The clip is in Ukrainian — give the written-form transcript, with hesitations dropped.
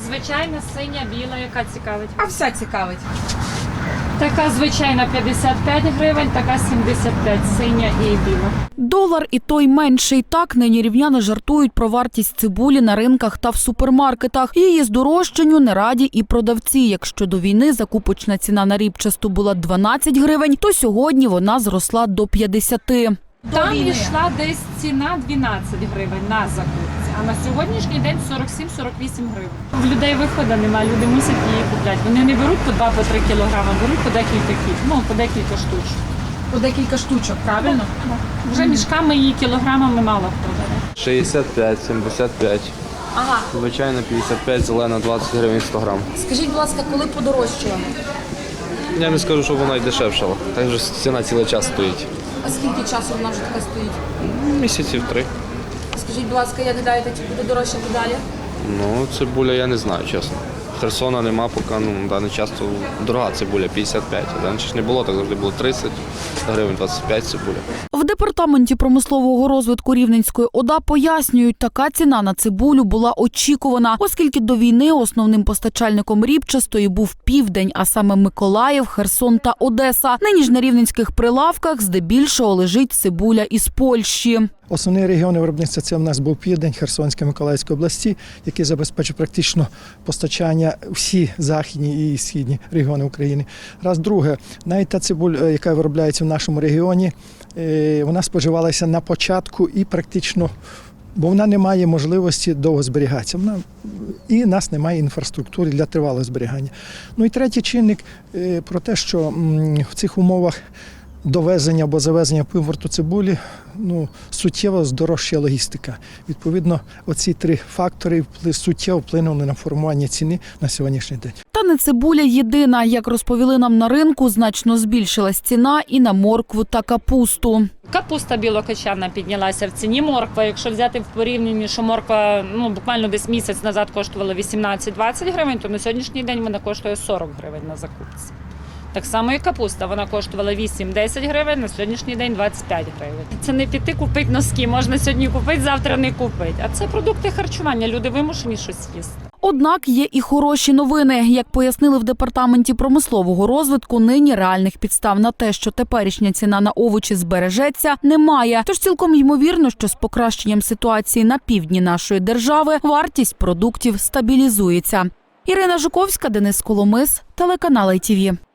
звичайна, синя, біла, яка цікавить? А вся цікавить. Така звичайна 55 гривень, така 75, синя і біла. Долар і той менший. Так, нині рівняни жартують про вартість цибулі на ринках та в супермаркетах. Її здорожчанню не раді і продавці. Якщо до війни закупочна ціна на рібчасту була 12 гривень, то сьогодні вона зросла до 50. Там йшла десь ціна 12 гривень на закупці, а на сьогоднішній день 47-48 гривень. В людей виходу немає, люди мусять її купляти. Вони не беруть по 2-3 кілограми, беруть по декілька штучок. По декілька штучок, правильно? Вже мішками і кілограмами мало хто бере. 65, 75. Ага. Звичайно, 55, зелена 20 гривень 100 грам. Скажіть, будь ласка, коли подорожчала? Я не скажу, що вона й дешевшала. Так же ціна цілий час стоїть. А скільки часу вона вже така стоїть? Місяців 3. Скажіть, будь ласка, як гадаєте, чи буде дорожчати далі? Ну, цибуля я не знаю, чесно. Херсона нема, поки в даний час то дорога цибуля 55. Раніше ж не було, так завжди було 30 гривень, 25 цибуля. В департаменті промислового розвитку Рівненської ОДА пояснюють, така ціна на цибулю була очікувана, оскільки до війни основним постачальником рібчастої був Південь, а саме Миколаїв, Херсон та Одеса. Нині ж на рівненських прилавках здебільшого лежить цибуля із Польщі. Основні регіони виробництва – це у нас був Південь, Херсонська, Миколаївська області, які забезпечують практично постачання всі західні і східні регіони України. Раз. Друге, навіть та цибуля, яка виробляється в нашому регіоні, вона споживалася на початку і практично, бо вона не має можливості довго зберігатися. І в нас немає інфраструктури для тривалого зберігання. Ну і третій чинник про те, що в цих умовах довезення або завезення по імпорту цибулі суттєво здорожчає логістика. Відповідно, оці 3 фактори суттєво вплинули на формування ціни на сьогоднішній день. Та не цибуля єдина. Як розповіли нам на ринку, значно збільшилась ціна і на моркву та капусту. Капуста білокочанна піднялася в ціні. Морква, якщо взяти в порівнянні, що морква буквально десь місяць назад коштувала 18-20 гривень, то на сьогоднішній день вона коштує 40 гривень на закупці. Так само і капуста, вона коштувала 8-10 гривень, на сьогоднішній день 25 гривень. Це не піти купити носки, можна сьогодні купити, завтра не купити. А це продукти харчування, люди вимушені щось їсти. Однак є і хороші новини. Як пояснили в департаменті промислового розвитку, нині реальних підстав на те, що теперішня ціна на овочі збережеться, немає. Тож цілком ймовірно, що з покращенням ситуації на півдні нашої держави вартість продуктів стабілізується. Ірина Жуковська, Денис Коломис, телеканал ITV.